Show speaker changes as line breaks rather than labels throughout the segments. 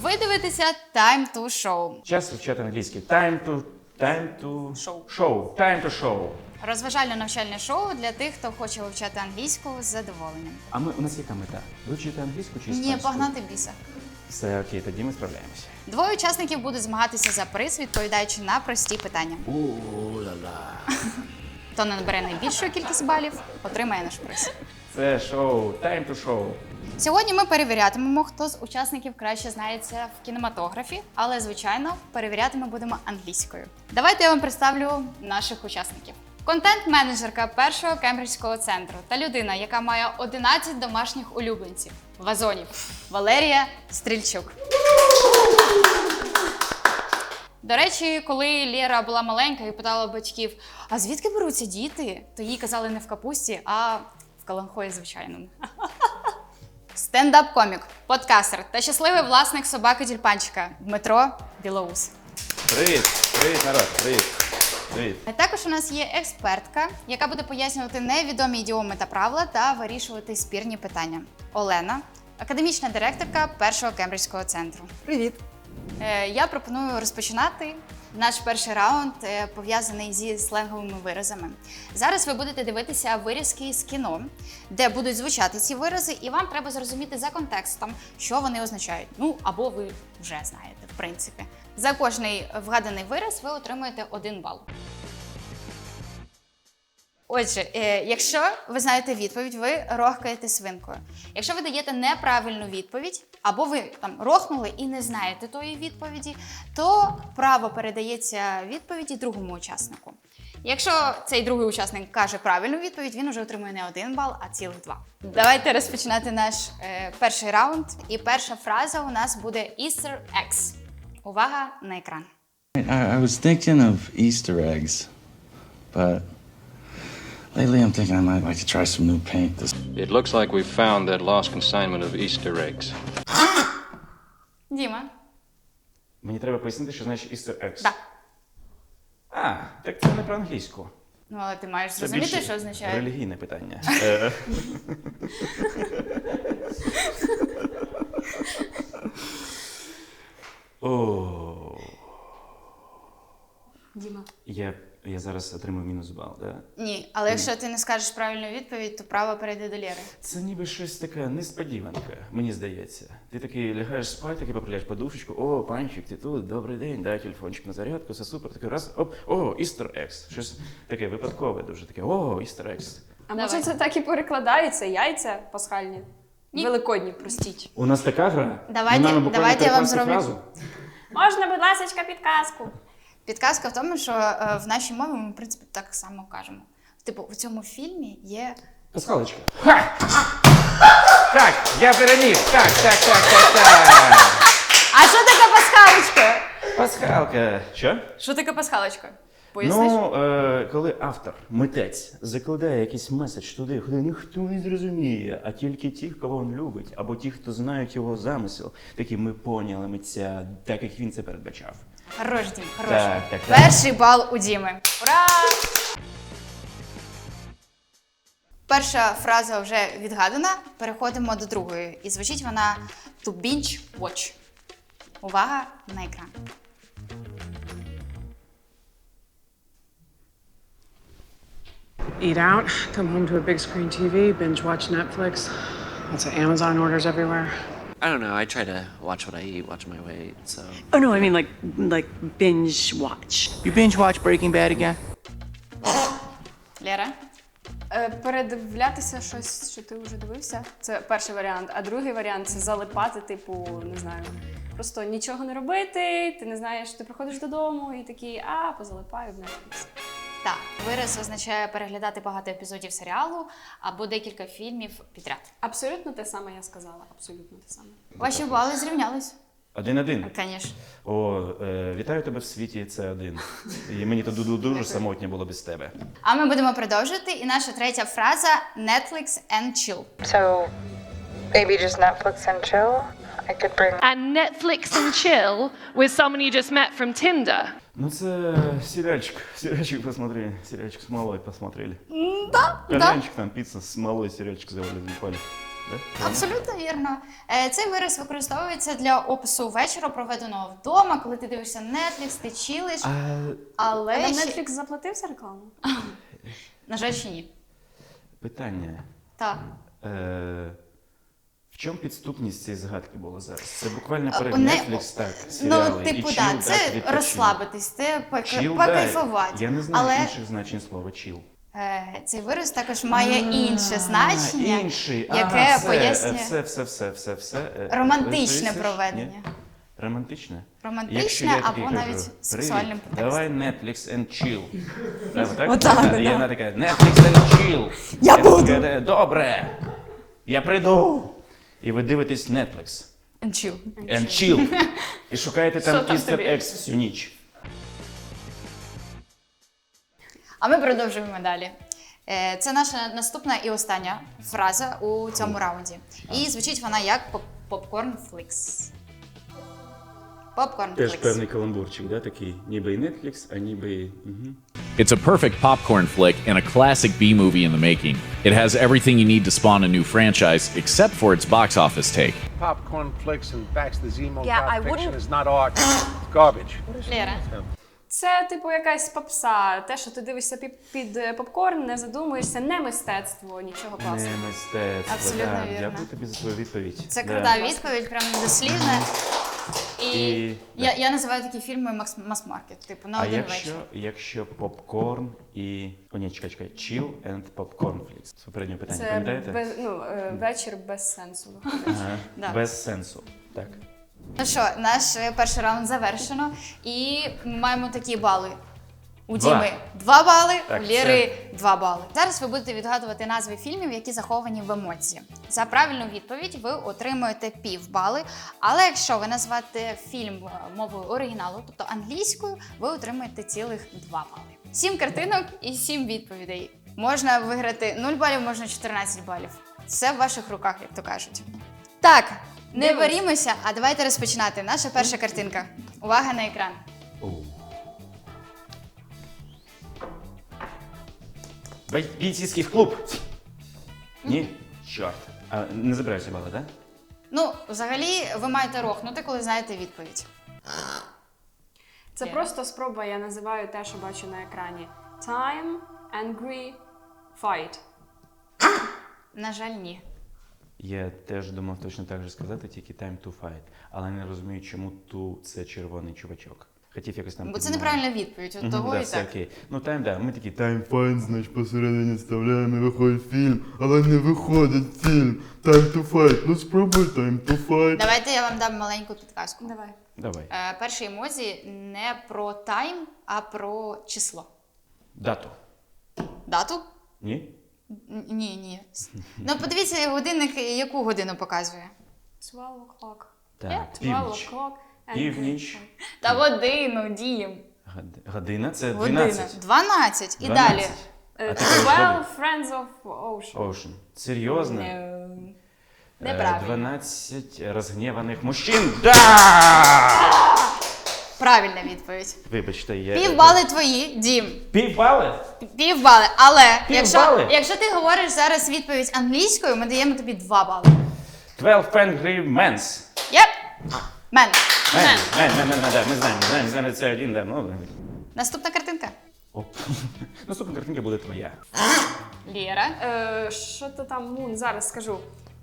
Ви дивитеся Time to Show.
Час вивчати англійський. Time to show. Time to show.
Розважально-навчальне шоу для тих, хто хоче вивчати англійську з задоволенням.
А у нас яка мета? Вивчити англійську чи іспанську?
Ні, погнати біса.
Все окей, тоді ми справляємося.
Двоє учасників будуть змагатися за приз, відповідаючи на прості питання.
У-ла-ла.
Хто не набере найбільшу кількість балів, отримає наш приз.
Це шоу. Time to show.
Сьогодні ми перевірятимемо, хто з учасників краще знається в кінематографі, але, звичайно, перевіряти ми будемо англійською. Давайте я вам представлю наших учасників. Контент-менеджерка першого кембриджського центру та людина, яка має 11 домашніх улюбленців – вазонів – Валерія Стрільчук. До речі, коли Лєра була маленька і питала батьків, а звідки беруться діти, то їй казали не в капусті, а в каланхої звичайному. Стендап-комік, подкастер та щасливий власник собаки-тюльпанчика Дмитро Білоус.
Привіт, народ, привіт.
А також у нас є експертка, яка буде пояснювати невідомі ідіоми та правила та вирішувати спірні питання. Олена, академічна директорка першого кембриджського центру.
Привіт!
Я пропоную розпочинати. Наш перший раунд пов'язаний зі сленговими виразами. Зараз ви будете дивитися вирізки з кіно, де будуть звучати ці вирази, і вам треба зрозуміти за контекстом, що вони означають. Ну, або ви вже знаєте, в принципі. За кожний вгаданий вираз ви отримуєте 1 бал. Отже, якщо ви знаєте відповідь, ви рохкаєте свинкою. Якщо ви даєте неправильну відповідь, або ви там рохнули і не знаєте тої відповіді, то право передається відповіді другому учаснику. Якщо цей другий учасник каже правильну відповідь, він вже отримує не 1 бал, а цілих 2. Давайте розпочинати наш перший раунд. І перша фраза у нас буде Easter eggs. Увага на екран.
I was thinking of Easter eggs, but lately I'm thinking I might like to try some new paint.
It looks like we've found that lost consignment of Easter eggs.
Діма.
Мені треба пояснити, що значить Easter eggs.
Так.
А, так це не про англійську.
Ну, але ти маєш
Це
зрозуміти,
більше
що означає.
релігійне питання. О.
Діма.
Я зараз отримую мінус бал, так?
Ні, але якщо ти не скажеш правильну відповідь, то право перейде до Лєри.
Це ніби щось таке несподіванка, мені здається. Ти такий лягаєш спати, такий поправляєш подушечку, о, панчик, ти тут, добрий день, дай телефончик на зарядку, все супер, такий раз, оп, о, Easter eggs. Щось таке випадкове дуже таке, о, Easter eggs.
А може
Давай.
це так і перекладається? Яйця пасхальні?
Ні.
Великодні, простіть.
У нас така гра?
Давайте-
Ми маємо буквально
давайте я вам
перекласти
зроблю.
фразу?
Можна, будь ласка, підказку?
Підказка в тому, що в нашій мові ми, в принципі, так само кажемо. Типу, у цьому фільмі є...
Пасхалочка. Ха! Так, я переміг. Так.
А що таке пасхалочка?
Пасхалка. Що?
Що таке пасхалочка? Поясниш?
Ну, коли автор, митець, закладає якийсь меседж туди, куди ніхто не зрозуміє, а тільки ті, кого він любить, або ті, хто знають його замисел, такі ми поняли митця, так як він це передбачав.
Хорош, Дім, хорош.
Так.
Перший бал у Діми. Ура! Перша фраза вже відгадана. Переходимо до другої. І звучить вона to binge watch. Увага на екран.
Eat out, come home to a big screen TV, binge watch Netflix. Lots of Amazon orders everywhere.
I don't know. I try to watch what I eat, watch my weight, so.
Oh no, I mean like binge watch.
You binge watch Breaking Bad again?
Лера?
Передивлятися щось, що ти вже дивився. Це перший варіант. А другий варіант це залипати, типу, не знаю. Просто нічого не робити, ти не знаєш, ти приходиш додому і такий, позалипаю в Netflix.
Так, вираз означає переглядати багато епізодів серіалу або декілька фільмів підряд.
Абсолютно те саме я сказала, абсолютно те саме.
Ваші бали зрівнялись.
1-1.
Звісно.
О, вітаю тебе в світі, це 1. І мені тут дуже самотньо було без тебе.
А ми будемо продовжувати. І наша третя фраза – Netflix and chill.
So maybe just Netflix and chill? I could bring...
And Netflix and chill with someone you just met from Tinder.
Ну це сериальчик посмотрели, сериальчик с малой посмотрели.
Да.
Кальянчик там, пицца с малой, сериальчик завалили, запали. Да?
Абсолютно вірно. Цей вираз використовується для опису вечора, проведеного вдома, коли ти дивишся Netflix, ти чилиш, але
Нам
ще...
Netflix заплатив за рекламу?
На жаль, ще ні.
Питання.
Так.
В чому підступність цієї згадки була зараз? Це буквально перед
Не-
Netflix, так, серіали.
Ну, типу,
і
так,
chill,
це
відпочинок.
розслабитись, це
Chill,
покайфувати.
да. Я не знаю
Але
інших значень слова chill.
цей вираз також має інше значення,
Інший.
яке
все,
пояснює
все.
романтичне
Ні?
проведення.
Романтичне?
Романтичне
Якщо я
або
такий кажу,
навіть
«Привіт,
сексуальним підтекстом.
давай Netflix and chill. Так?
Отак,
І
да.
вона така, Netflix and chill.
Я буду.
Така, добре, я прийду. І ви дивитесь Netflix
And chill.
and chill. І шукаєте там
Що там
Easter
тобі?
eggs всю ніч.
А ми продовжуємо далі. Це наша наступна і остання фраза у цьому раунді. І звучить вона як попкорн флікс. Попкорн
Теж
флікс.
певний каламбурчик, да, такий, ніби і Netflix, а ніби і... Угу.
It's a perfect popcorn flick and a classic B movie in the making. It has everything you need to spawn a new franchise, except for its box office take.
Popcorn flicks and Baxter Zemo
Yeah, I
fiction
wouldn't-
is not art. It's garbage.
Лера.
Це, типу, якась попса. Те, що ти дивишся під попкорн, не задумуєшся, не мистецтво, нічого класного.
Не мистецтво,
Абсолютно
да.
вірно.
Дякую тобі за твою відповідь.
Це
Да.
крута відповідь, прям дослівна. І
да.
я називаю такі фільми мас-маркет, типу на
А
один вечір.
якщо попкорн і... О, ні, чекай. Chill and popcorn flicks. Це попереднє питання,
Це
пам'ятаєте?
вечір без сенсу.
Ага.
Да.
Без сенсу. Так.
Ну що, наш перший раунд завершено. І маємо такі бали. У
Два.
Діми 2 бали,
Так,
у Лєри 2 бали. Зараз ви будете відгадувати назви фільмів, які заховані в емоції. За правильну відповідь ви отримуєте півбали, але якщо ви назвете фільм мовою оригіналу, тобто англійською, ви отримаєте цілих 2 бали. 7 картинок і 7 відповідей. Можна виграти 0 балів, можна 14 балів. Все в ваших руках, як то кажуть. Так, не варімося, а давайте розпочинати. Наша перша картинка. Увага на екран.
Бійцівський клуб. Ні? Чорт. А не забираєшся бали, так?
Ну, взагалі, ви маєте рохнути, коли знаєте відповідь.
Це
Лера.
просто спроба, я називаю те, що бачу на екрані. Time, angry, fight.
На жаль, ні.
Я теж думав точно так же сказати, тільки time to fight. Але не розумію, чому ту це червоний чувачок. Хотів якось там...
Бо це
підмовити.
неправильна відповідь, от того
да,
і
все
так.
окей. Ну, time, да. Ми такі time fight, значить, посередині вставляємо і виходить фільм, але не виходить фільм. Time to fight. Ну, спробуй time to fight.
Давайте я вам дам маленьку підказку.
Давай.
Давай.
Перший емодзі не про тайм, а про число.
Дату.
Дату?
Ні?
Ні. Ну, подивіться, годинник яку годину показує.
12 o'clock.
Так,
12
північ.
o'clock. angry
Північ.
fight.
Та годину, Дім.
Година? Це
Година.
12.
12. І
12.
далі.
А ти кажеш
12 friends of ocean.
Ocean. Серйозно?
Неправильно.
12 розгніваних мужчин. Да!
Правильна відповідь.
Вибачте, я...
Півбали твої, Дім.
Півбали?
Півбали. Але
Півбали?
якщо ти говориш зараз відповідь англійською, ми даємо тобі 2 бали.
12 angry men's.
Єп. Мен.
Да, ми знаємо, це один, да, ну...
Наступна картинка.
Оп. Наступна картинка буде твоя.
Лєра.
Що то там, зараз скажу.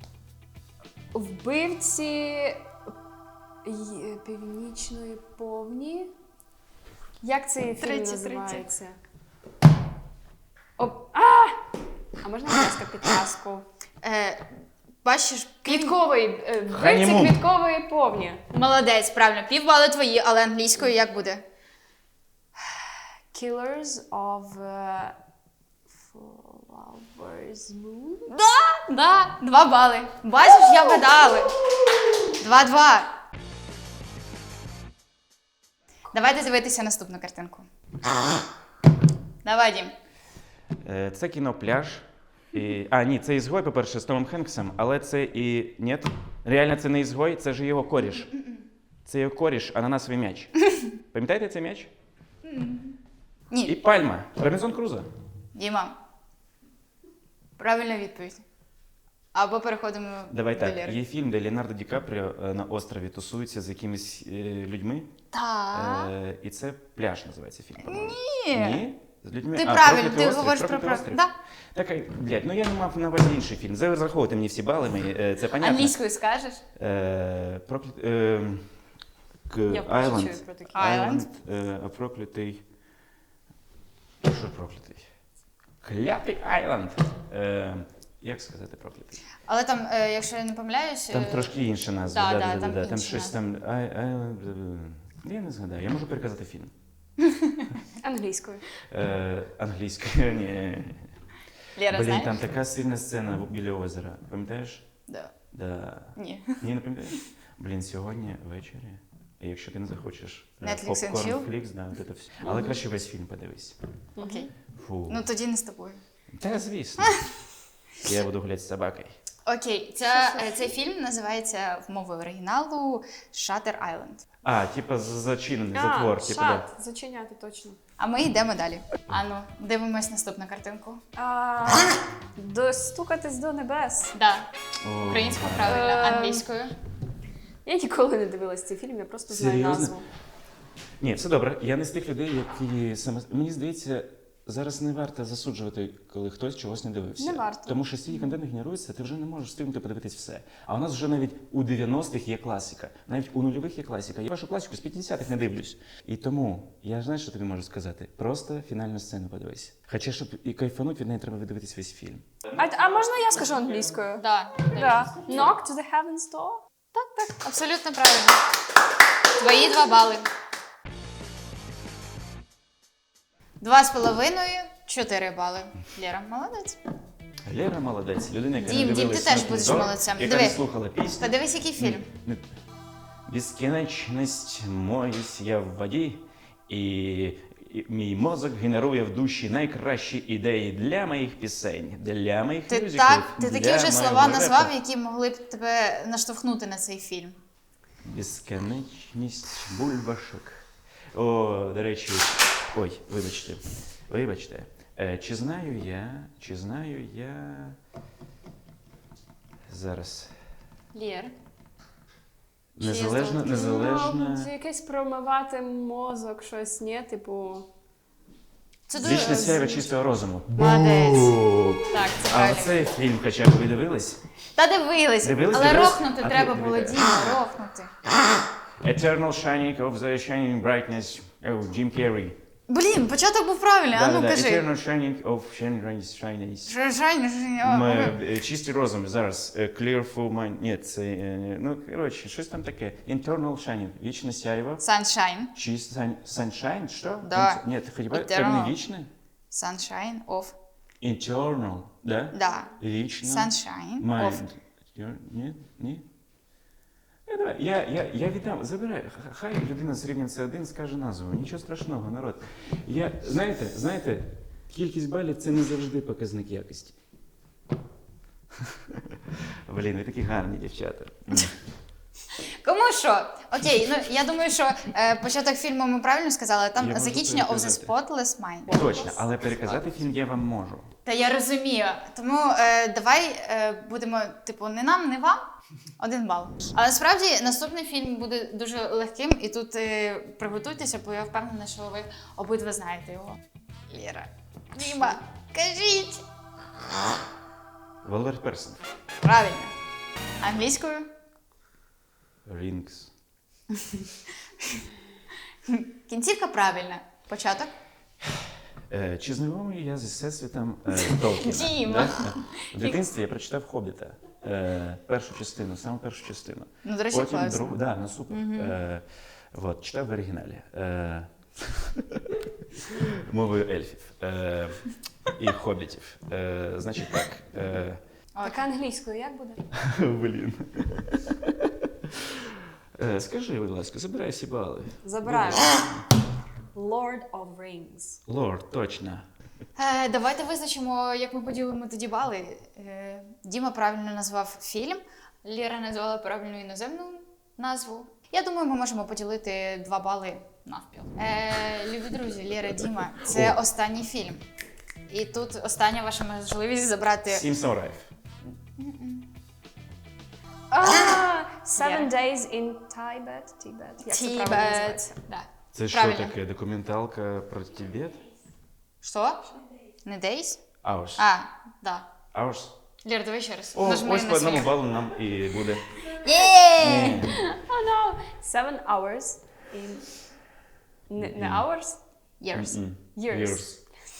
Вбивці Північної повні. Як цей фільм
Третє.
називається? А можна, будь ласка, підказку?
Бачиш,
Квітковий. Вбивці
Ханімун.
квіткової повні.
Молодець, правильно. Півбали твої, але англійською як буде?
Killers of Flowers Moon.
Да, 2 бали. Бачиш, я вгадала. 2-2. Давайте дивитися наступну картинку. Давай, Дім.
Це кіно «Пляж». Ні, це «Ізгой», по-перше, з Томом Хенксом, але це і... Ні, реально це не «Ізгой», це ж його коріш. Це його коріш, ананасовий м'яч. Пам'ятаєте цей м'яч?
Ні.
І «Пальма». Робінзон Крузо.
Діма. Правильна відповідь. Або переходимо
Давай
до
так,
Лєри.
є фільм, де Леонардо Ді Капріо на острові тусується з якимись людьми.
Так.
І це «Пляж» називається фільм, по-моєму.
Ні.
Ні? З людьми?
Ти правильно,
«Проклятий
ти
острів»,
говориш про
«Проклятий острів».
Да.
Так, блядь, ну я не мав на увазі інший фільм. Зараховуйте мені всі бали мої, це понятно.
Англійською скажеш?
Я
Island.
чую про такі.
Island.
Проклятий. Що проклятий? Клятий Айленд. Як сказати проклятий?
Але там, якщо я не помиляюсь...
Там трошки інша назва.
Да, там
Там
інша
щось там. Я не згадаю, я можу переказати фільм.
Англійською.
Англійською, ні.
Лєра,
Блін,
знаєш?
там така сильна сцена біля озера. Пам'ятаєш?
Да.
Да.
Ні.
Ні, не пам'ятаєш? Блін, сьогодні ввечері. Якщо ти не захочеш
Netflix and
попкорн,
chill?
флікс, да, от це все. Але краще весь фільм подивись.
Окей.
Фу.
Ну тоді не з тобою.
Та звісно. Я буду гуляти з собакою.
Окей, цей фільм називається в мові оригіналу Shutter Island.
Типа зачинений затвор. Типа, да.
шат, зачиняти точно.
А ми йдемо далі. Ану, дивимось наступну картинку.
Достукатись до небес.
Да.
О,
Українською
да.
правильно, англійською.
Я ніколи не дивилась цей фільм, я просто знаю
Серйозно?
назву.
Ні, все добре. Я не з тих людей, які саме. Мені здається, зараз не варто засуджувати, коли хтось чогось не дивився.
Не варто.
Тому що стільки контент генерується, ти вже не можеш встигнути подивитись все. А у нас вже навіть у 90-х є класика, навіть у нульових є класика. Я вашу класику з 50-х не дивлюсь. І тому я знаєш, що тобі можу сказати? Просто фінальну сцену подивись. Хоча, щоб і кайфануть, від неї треба видивитись весь фільм.
А можна я скажу англійською?
Да.
Да. Knock to the heaven's door.
Так, абсолютно правильно. Твої 2 бали. 2,5, 4 бали. Лєра, молодець.
Лера молодець, людина, яка
Дім,
не
ти
дивилась
теж
«Смертний
будеш
дом»,
молодцем.
яка
Диви.
не слухала пісню.
Подивись, який фільм.
Безкінечність моюсь я в воді, і мій мозок генерує в душі найкращі ідеї для моїх пісень, для моїх
Ти
мюзиклів,
такі
для
вже слова
моєго
назвав,
репу.
які могли б тебе наштовхнути на цей фільм.
Безкінечність бульбашок. О, до речі, ой, вибачте. Чи знаю я... Зараз.
Лєр.
Незалежно.
Це якесь промивати мозок, щось, ні? Типу...
Це дуже...
Вічне сяйво чистого розуму.
Молодець. Так, це
А
правильно.
цей фільм хоча б ви дивились?
Та дивились,
Дивились?
але рохнути
А
треба
ти
було,
дивись.
Діма, рохнути.
Eternal Shining of the Shining Brightness. Джим Керрі.
Блін, початок був правильний, а ну кажи.
Eternal Shining of Shining. Чистий розум зараз. Clear full mind. Ні, це... Ну, коротше, щось там таке. Internal Shining. Вічне сяйво.
Sunshine.
Sunshine? Що?
Да.
Ні, ти хотіла... Це
Eternal.
не вічне?
Sunshine of...
Internal, да?
Да.
Вічне.
Sunshine
Mind.
of...
Ні? Я віддам, забирай. Хай людина з рівнем С1 скаже назву. Нічого страшного, народ. Знаєте, кількість балів – це не завжди показник якості. Блін, ви такі гарні дівчата.
Кому що? Окей, ну я думаю, що початок фільму ми правильно сказали, там
Я можу
закінчення of the
переказати.
Spotless Mind.
Точно, але переказати фільм я вам можу.
Та я розумію. Тому давай будемо, типу, не нам, не вам. 1 бал. Але насправді наступний фільм буде дуже легким, і тут приготуйтеся, бо я впевнена, що ви обидва знаєте його. Лєра. Діма, кажіть!
Волвер Персон.
Правильно. Англійською?
Рінгс.
Кінцівка правильна. Початок?
Чи знайомий я зі всесвітом Толкіна?
Діма.
Да? В дитинстві я прочитав «Хобіта». Першу частину, саме першу частину.
Ну, до речі,
Потім
класно.
другу, да, ну супер. Вот, читав в оригіналі. Мовою ельфів і хобітів. Значить так.
Така англійською як буде?
Блін. Скажи, будь ласка, забирай всі бали.
Забираємо. Lord of Rings.
Лорд, точно.
Давайте визначимо, як ми поділимо тоді бали. Діма правильно назвав фільм, Лєра назвала правильну іноземну назву. Я думаю, ми можемо поділити 2 бали навпіл. Любі друзі, Лєра, Діма, це останній фільм. І тут остання ваша можливість забрати...
7 самураїв.
Seven Days in Tibet. Як це правильно називається?
Да.
Це що
Правильно.
таке? Документалка про Тибет?
Що? Не Days?
Hours.
Да.
Hours?
Лєр, давай ще раз.
О,
Нажми
ось
на
по одному
свій.
балу нам і буде.
Є!
Oh no! 7 hours in... Не hours?
Years.
Years.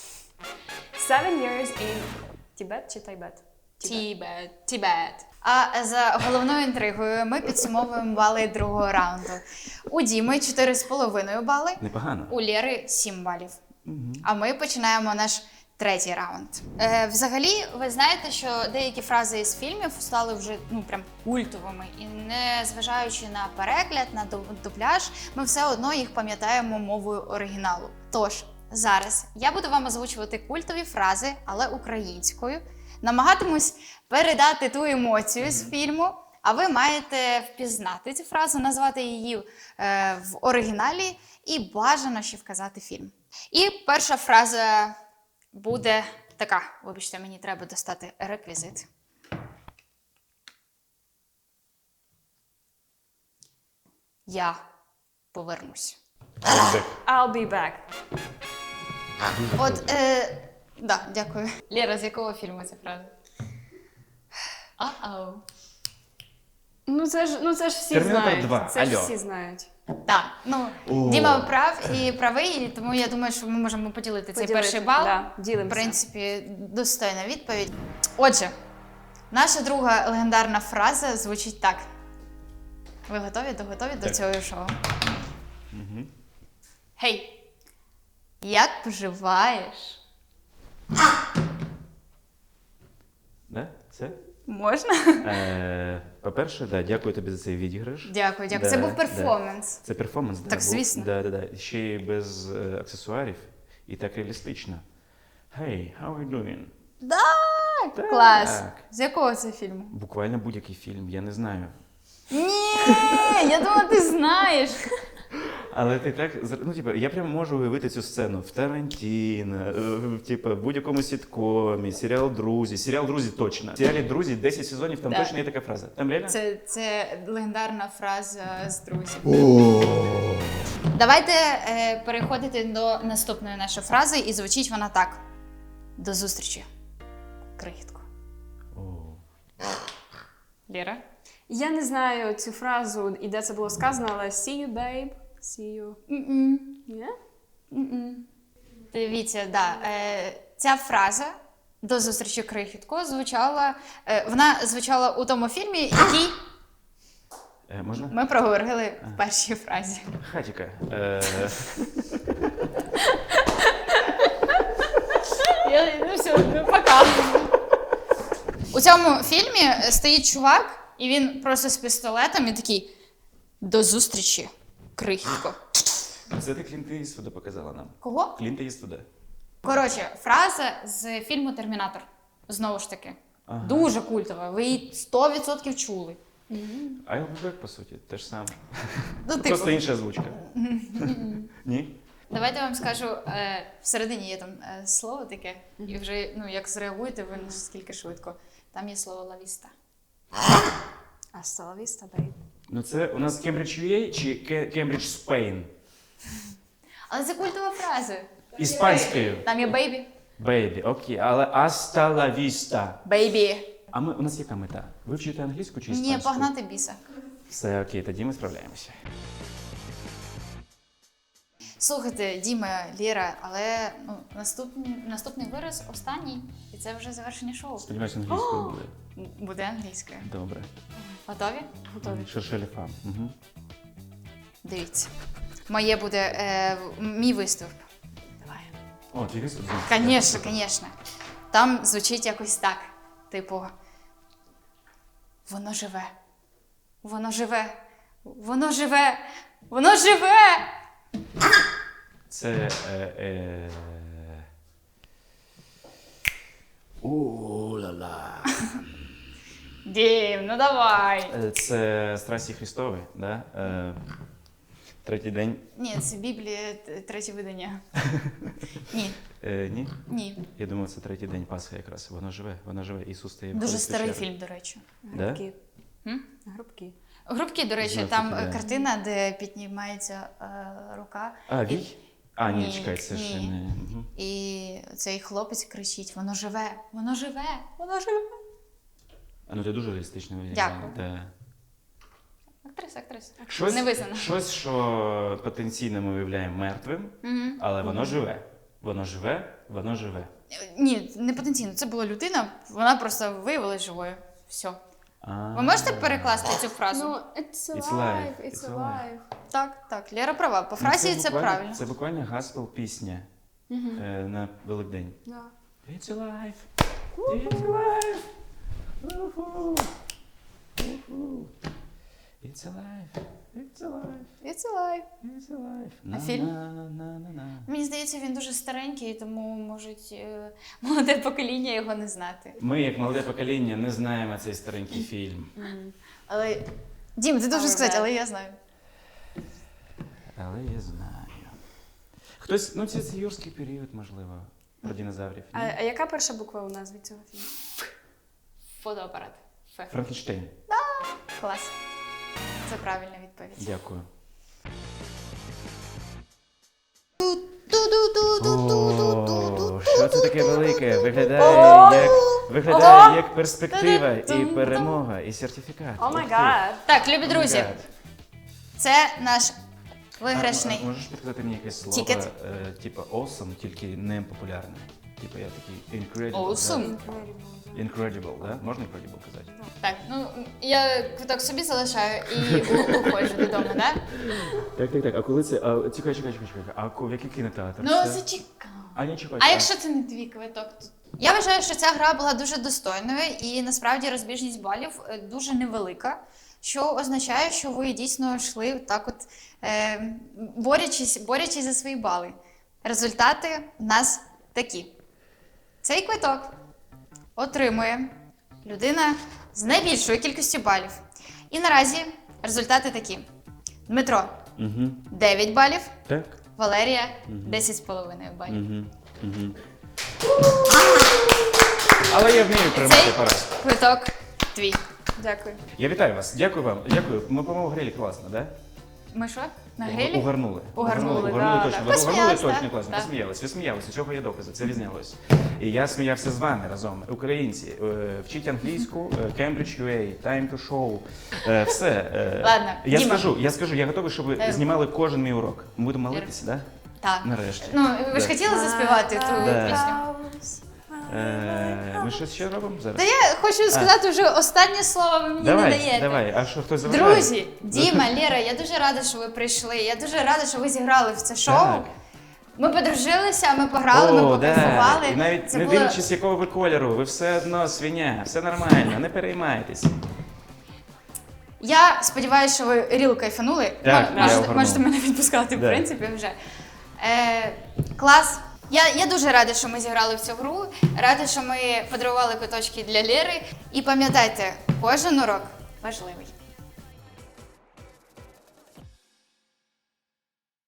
7 years in Tibet чи Тайбет?
Тібет. А за головною інтригою ми підсумовуємо бали другого раунду. У Діми 4,5 бали,
Непогано.
у Лєри 7 балів. А ми починаємо наш третій раунд. Взагалі, ви знаєте, що деякі фрази із фільмів стали вже прям культовими. І не зважаючи на перегляд, на дубляж, ми все одно їх пам'ятаємо мовою оригіналу. Тож, зараз я буду вам озвучувати культові фрази, але українською. Намагатимусь передати ту емоцію з фільму, а ви маєте впізнати цю фразу, назвати її в оригіналі і бажано ще вказати фільм. І перша фраза буде така. Вибачте, мені треба достати реквізит. Я повернусь.
I'll be back.
От, да, дякую. Лєра, з якого фільму ця фраза? А-ау.
Ну це ж всі
Термінатор
знають.
2.
Це ж
Алло.
всі знають.
Так,
О.
Діма прав і правий, тому я думаю, що ми можемо поділити цей перший бал.
Да, ділимося.
В принципі, достойна відповідь. Отже, наша друга легендарна фраза звучить так. Ви готові до цього шоу? Гей, як поживаєш?
Да? Це?
Можна?
По-перше, да, дякую тобі за цей відіграш.
Дякую.
Да,
Це був
да.
перформанс.
Це перформанс, да.
Так,
був.
звісно.
Да. Ще й без аксесуарів і так реалістично. Hey, how are you doing?
Так, клас. З якого це фільму?
Буквально будь-який фільм, я не знаю.
Ні, я думала, ти знаєш.
Але ти так, я прямо можу уявити цю сцену в Тарантіно, в будь-якому сіткомі, серіал «Друзі» точно. В серіалі «Друзі» 10 сезонів, там точно є така фраза. Там реально?
Це легендарна фраза з друзів. Давайте переходити до наступної нашої фрази, і звучить вона так. До зустрічі, крихітко. Лєра?
Я не знаю цю фразу і де це було сказано, але see you, babe. See you. Ні?
Дивіться, да. Ця фраза «До зустрічі, крихітко» звучала у тому фільмі, який
Можна?
ми проговорили в першій фразі.
Хатіка.
Пока. У цьому фільмі стоїть чувак, і він просто з пістолетом і такий «До зустрічі, крихітко».
Це ти Клінта Іствуда показала нам.
Кого?
Клінта Іствуда.
Коротше, фраза з фільму «Термінатор». Знову ж таки.
Ага.
Дуже культова. Ви її 100% чули.
I'll be back, по суті, те ж саме.
Ну,
Просто інша озвучка. Ні?
Давайте я вам скажу, всередині є там слово таке, і вже як зреагуєте ви наскільки швидко. Там є слово «лавіста».
Hasta la vista, babe.
Ну це у нас Cambridge UA чи Cambridge Spain?
Але це культова фраза.
Іспанською.
Там є «бейбі».
Бейбі, окей, але hasta la vista.
«Бейбі».
А у нас яка мета? Вивчити англійську чи іспанську?
Ні, погнати біса.
Все окей, тоді ми справляємося.
Слухайте, Діма, Лєра, але наступний вираз останній, і це вже завершення шоу.
Сподіваюся, англійською буде.
Буде англійською.
Добре.
Готові?
Готові.
Шершелі фам. Угу.
Дивіться. Моє буде мій виступ. Давай.
О, твій виступ?
Звісно. Там звучить якось так. Типу, воно живе. Воно живе. Воно живе. Воно живе!
Це... У-ла-ла.
Дім, ну давай.
Це Страсті Христові, да? Третій день.
Ні, це Біблія, третє видання. Ні.
Ні?
Ні.
Я думаю, це третій день Пасхи якраз. Воно живе. Ісус стає.
Дуже старий фільм, до речі.
Да?
Грубки.
Грубки, до речі,
Жовті,
там
да.
картина, де піднімається рука.
А, вій? А, ні,
Ні,
чекай, це
ні.
ще не. Угу.
І цей хлопець кричить: воно живе, воно живе, воно живе.
А ну ти дуже реалістично виглядає.
Дякую.
Да.
Актриса.
Щось,
Не визнана.
щось, що потенційно ми виявляємо мертвим, але воно живе. Воно живе, воно живе.
Ні, не потенційно. Це була людина, вона просто виявилась живою. Все.
А,
Ви можете перекласти цю фразу?
Ну, it's
It's
alive,
alive,
it's
it's
alive.
Так, Лера права. По фразі це
буквально-
правильно.
Це буквально гаспел пісня на Великдень.
Да.
It's alive, it's alive. Уху. Уху. It's alive, it's alive,
It's alive.
it's alive.
А фільм?
На-на-на-на-на.
Мені здається, він дуже старенький, тому можуть молоде покоління його не знати.
Ми, як молоде покоління, не знаємо цей старенький фільм.
Але Дім, ти дуже сказати, але я знаю.
Але я знаю. Хтось, ну це юрський період, можливо, про динозаврів. ні?
А яка перша буква у назві цього фільму?
Фотоапарат. Фе.
Франкенштейн.
Клас. Це правильна відповідь.
Дякую.
Ту-ду-ду-ду-ду-ду-ду-ду.
О, що це таке велике? Виглядає як перспектива, і перемога, і сертифікат.
О май
Ух ти.
гад.
Так, любі друзі,
Гад.
це наш виграшний.
А можеш підказати мені якесь слово,
Тікет.
типу awesome, тільки не популярне? Типу я такий incredible.
Awesome.
Да? Incredible, да? Можна incredible казати?
Так, ну я квиток собі залишаю і уходжу додому, так?
Так. А коли це? А, чекай. А в який кінотеатр?
Ну,
це?
зачекай.
А не чекай.
А якщо це не твій квиток? Я вважаю, що ця гра була дуже достойною, і насправді розбіжність балів дуже невелика, що означає, що ви дійсно йшли так от, борючись за свої бали. Результати в нас такі. Цей квиток отримує людина з найбільшою кількістю балів. І наразі результати такі. Дмитро
Угу.
9 балів,
Так.
Валерія 10,5 балів.
Угу. Але я вмію
Цей
приймати поразку.
квиток твій.
Дякую.
Я вітаю вас. Дякую вам. Дякую. Ми, по-моєму, грали класно, да?
Ми що? На грилі?
Угарнули.
Угарнули,
Угарнули
да,
точно.
да.
Ви угарнули
Посміялись,
точно
так,
класно.
так.
Ви сміялися. Цього є докази. Це відзнялось. І я сміявся з вами разом. Українці, вчіть англійську, Cambridge UA, Time to Show. Все.
Ладно, Діма.
Я скажу, я готовий, щоб ви знімали кожен мій урок. Ми будемо молитися, так?
Так.
Нарешті.
Ну, ви ж
Да.
хотіли заспівати ту
Да.
пісню?
Ми щось ще робимо зараз?
Та я хочу сказати вже останнє слово, ви мені не даєте.
Давай. А що, хтось заважає?
Друзі, Діма, Лера, я дуже рада, що ви прийшли. Я дуже рада, що ви зіграли в це шоу.
Так.
Ми подружилися, ми пограли, ми покайфували.
І навіть
Це
не
було...
дивлячись, якого ви кольору, ви все одно свиня, все нормально, не переймайтесь.
Я сподіваюся, що ви ріл кайфанули.
Так, я
Можете,
огорнув.
можете мене відпускати, в
Да.
принципі, вже. Клас. Я дуже рада, що ми зіграли в цю гру. Рада, що ми подарували квиточки для Лєри. І пам'ятайте, кожен урок важливий.